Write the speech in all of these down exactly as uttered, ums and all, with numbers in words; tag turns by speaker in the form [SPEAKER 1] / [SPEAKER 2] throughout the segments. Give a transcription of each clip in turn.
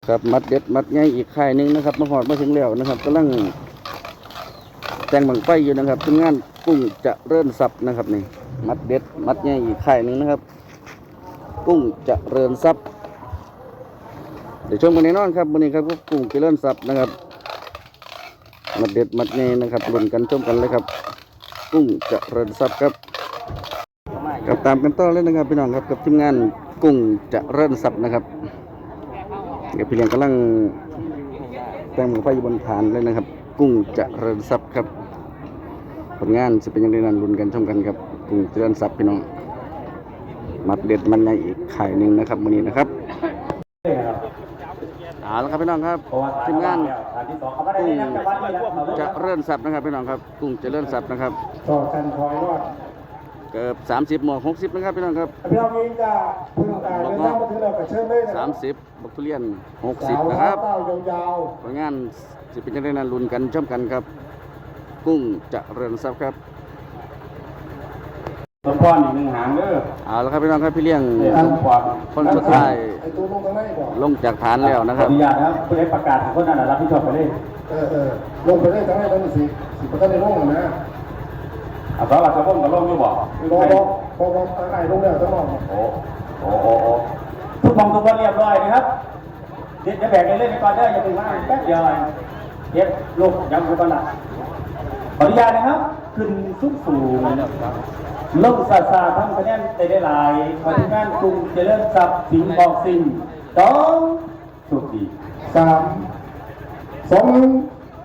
[SPEAKER 1] ครับมัดเด็ดมัดใหญ่อีกค่ายหนึ่งนะครับมาหอดมาถึงแล้วนะครับกำลังแต่งบังไฟอยู่นะครับทีมงานกุ้งจะเริ่มสับนะครับนี่มัดเด็ดมัดใหญ่อีกค่ายหนึ่งนะครับกุ้งจะเริ่มสับเดี๋ยวชมกันแน่นอนครับวันนี้ครับกุ้งจะเริ่มสับนะครับมัดเด็ดมัดใหญ่นะครับลุ้นกันชมกันเลยครับกุ้งจะเริ่มสับครับกับตามกันต่อเลยนะครับพี่น้องครับกับทีมงานกุ้งจะเริ่มสับนะครับเดี๋ยวพี่เลี้ยงกำลังแต่งมือไฟอยู่บนฐานเลยนะครับกุ้งจะเริญทรัพย์ครับผลงานจะเป็นยังไงนั้นลุ้นกันชมกันครับกุ้งเจริญทรัพย์พี่น้องมัดเด็ดมันในอีกไข่หนึ่งนะครับวันนี้นะครับเอาละครับพี่น้องครับทีมงานกุ้งจะเริญทรัพย์นะครับพี่น้องครับกุ้งจะเริญทรัพย์นะครับ
[SPEAKER 2] ต่อกันคอยรอด
[SPEAKER 1] เกือบสามสิบหมวกหกสิบนะครับพี่น้องครับ
[SPEAKER 2] พี่น้องเองจะพึ่งตาเดินทางมาถึงเรากระเชิญเลยนะ
[SPEAKER 1] สามสิบบักทุเรียนหกสิบนะครับ
[SPEAKER 2] ยาว
[SPEAKER 1] ผลงานจะเป็นยังไงนั้นลุ้นกันชมกันครับกุ้งจะเริญทรัพย์ครับ
[SPEAKER 3] ต้นพรอีกหนึ่งหางเด้อ
[SPEAKER 1] เอาละครับพี่น้องครับพี่เลี้ยงคนสุดท้ายลงจากฐานแล้วนะครับ
[SPEAKER 3] ขออนุญาตนะครับผู้ใดประกาศคนนั้นรับผิดชอบไปเลย
[SPEAKER 2] เออเออลงไปได้ทั้งให้ทั้งสิสิบประกันในโลกนะ
[SPEAKER 3] เอาสำหรับชาวบ้านกับโลกอยู่บ่
[SPEAKER 2] พอพอพอพอไอ้ลงแล้วทั้งหมด
[SPEAKER 3] โอ้โอ้โอ้โอ้ทุกมองทุกคนเรียบร้อยนะครับเดี๋ยวแบ่งกันเล่นไปก่อนเด้ออย่าไปว่าแป๊บเดียวเดี๋ยวลูกยังไม่ก่อนละขออนุญาตนะครับขึ้นสูงสูงลงซาซาทั้งคะแนนได้ได้หลายขอทีมงานกรุงเจริญทรัพย์สิงห์บอกสิงห์สองสุดดี
[SPEAKER 2] สามสองหนึ่งไป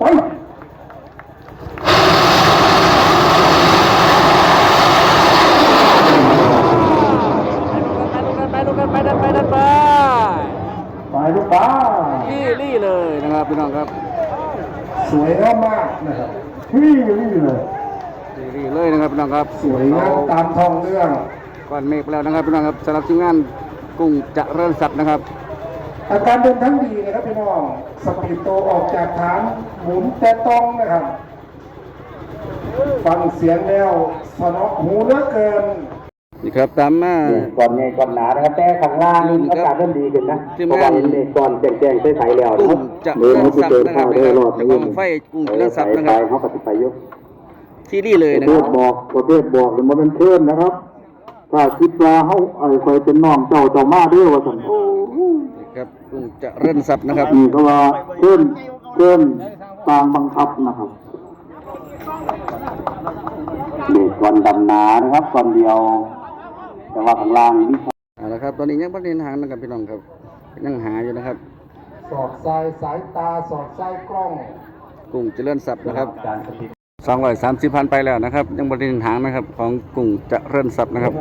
[SPEAKER 1] ไปดูกันไปดันไปดันไป
[SPEAKER 2] ไปลูกป้า
[SPEAKER 1] ลี่ลี่เลยนะครับพี่น้องครับ
[SPEAKER 2] สวยงามมากนะครับลี่ลี่เลย
[SPEAKER 1] ลี่เลยนะครับพี่น้องครับ
[SPEAKER 2] สวยงามตามทองเรื่อง
[SPEAKER 1] ก่อนเมฆแล้วนะครับพี่น้องครับสำหรับทีมงานกุ้งจะเริ่มสับนะครับ
[SPEAKER 2] อาการเดินทั้งดีนะครับพี่น้องสปีดโตออกจากฐานหมุนแต่ตรงนะครับฟังเสียงแล้วสนอหูเหลือเกิน
[SPEAKER 1] นี่ครับตามมา
[SPEAKER 3] ก่อนไงก่อนหนานะครับแต่ข้างล่างอากาศเริ่มดีขึ้นนะเพราะว่าเด็กก่อนแจ้งๆใสๆแล้ว
[SPEAKER 1] กุ้งจะเริ่มสับนะครับจะกองไฟกุ้งจะเริ่มสับนะครับ
[SPEAKER 3] เขาปฏิบัติยุ
[SPEAKER 1] ที่นี่เลยนะครับ
[SPEAKER 3] บอกประเทศบอกหรือมันเป็นเพื่อนนะครับถ้าคิดว่าเขาไอ้คอยเป็นน้องเจ้าเจ้ามาด้วยว่าสัน
[SPEAKER 1] ครับกุ้งจะเริ่มสับนะครับ
[SPEAKER 3] นี่ก็ว่าเพื่อนเพื่อนตามบังคับนะครับเด็กก่อนดำนานะครับก่อนเดียวแต่ว่าข้างล่างนี่
[SPEAKER 1] เอาละครับตอนนี้ยังไม่ได้หางนะครับพี่น้องครับยังหาอยู่นะครับ
[SPEAKER 2] สอดสายสายตาสอดสายกล้อง
[SPEAKER 1] กุ้งจะเริ่มสับนะครับสองร้อยสามสิบพันไปแล้วนะครับยังไม่ได้หางนะครับของกุ้งจะเริ่มสับนะครับ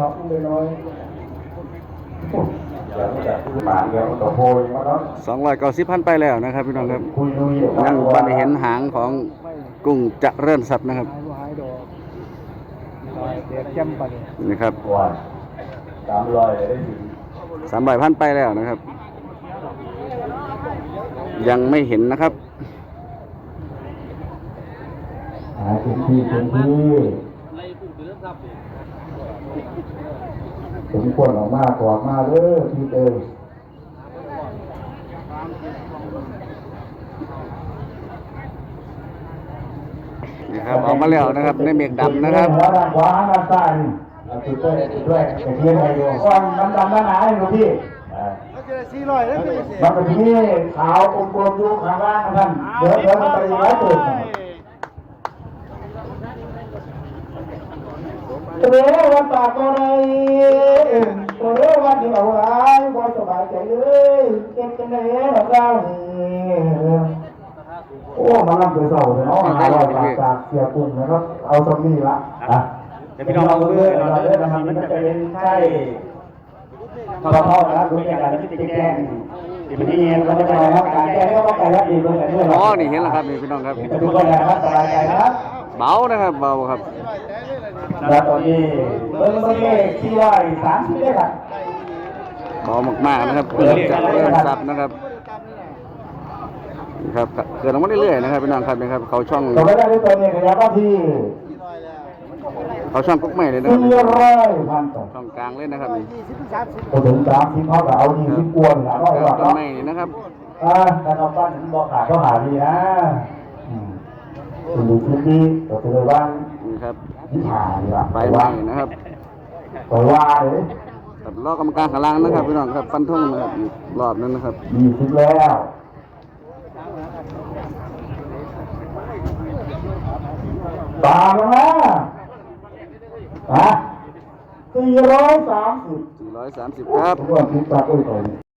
[SPEAKER 1] สองร้อยเก้าสิบพันไปแล้วนะครับพี่น้องครับยังไม่ได้เห็นหางของกุ้งจะเริ่มสับนะครับนี่ครับ
[SPEAKER 3] สามร้อย
[SPEAKER 1] สามร้อยพันไปแล้วนะครับยังไม่เห็นนะครับ
[SPEAKER 3] หาพื้นที่พื้นที่สมควรออกมาก่อนมาเด้อที่เดิม
[SPEAKER 1] นี่ครับออกมาแล้วนะครับในเมฆดำนะครับ
[SPEAKER 3] ด้านขวาด้านซ้ายจุดด้วยจุดด้วยแต่เทียนอะไรอยู่ก่อนมันดำด้านไหนดูพี่มันเป็นที่ขาวกลมๆอยู่ข้างล่างท่านเดี๋ยวเดี๋ยวมันไปร้อยตัวเรื่องวันปากก็ได้เรื่องวันที่เอาไว้พอสบายใจเลยเก็บกันได้แล้วเราโอ้มาลำเสือเสาเลยเนาะหาลอยปากจากเสียปุ่นนะครับเอาสมีละอ่ะเดี๋ยวพี่น้องเอาเรื่อยเราเรื่อยนะครับมันจะเป็นใช่พอพอนะครับดูในการที่จะแก้ที่มันที่เงี้ยเราจะนะครับการแก้ก็ต้องการรับดีด้วยกันด้วย
[SPEAKER 1] อ๋อนี่เห็นแล้วครับนี่พี่น้องครับ
[SPEAKER 3] ดูกันนะครับสบายใจนะครับ
[SPEAKER 1] เบานะครับเบาครับ
[SPEAKER 3] แล้วตอนนี้เบอร์เบอร์เลขที่ร้อยสามสิบเลยครับ
[SPEAKER 1] เบามากๆนะครับเพื่อจะเริ่มสับนะครับครับเกิดออกมาเรื่อยๆนะครับพี่น้องครับนะครับเขาช่อง
[SPEAKER 3] ต่อไปได้ด้วยตัวนี้ขยับมาที่
[SPEAKER 1] เขาช่องกุ๊กใหม่เลยนะครับ
[SPEAKER 2] สี่ร้อยพันต่อ
[SPEAKER 1] ช่องกลางเลยนะครับนี่
[SPEAKER 2] พอถึงสามสิบเขาก็เอายี่สิบกวนละร้อยว่า
[SPEAKER 1] ต้น
[SPEAKER 2] เนาะ
[SPEAKER 1] ไม้นี่นะครับ
[SPEAKER 2] อ่าการเอาบ้านถึงบอกขาดก็หาดีนะอืมคุณดูคลิปนี้ก็คือว่า
[SPEAKER 1] นี่ครับ
[SPEAKER 2] ยี่หาดีละ
[SPEAKER 1] ไฟไหม้นะครับ
[SPEAKER 2] ปล่อยว่าเลย
[SPEAKER 1] ตัดล้อกรรมการขาล่างนะครับพี่น้องครับฟันธงนะครับอีกรอบนึงนะครับ
[SPEAKER 2] ยี่สิบแล้วตามแล้วนะฮะสี่ร้อยสามสิบ
[SPEAKER 1] สี่ร้อยสามสิบครับ
[SPEAKER 2] ทุกคนคิดตาอุ้ยตัวนี้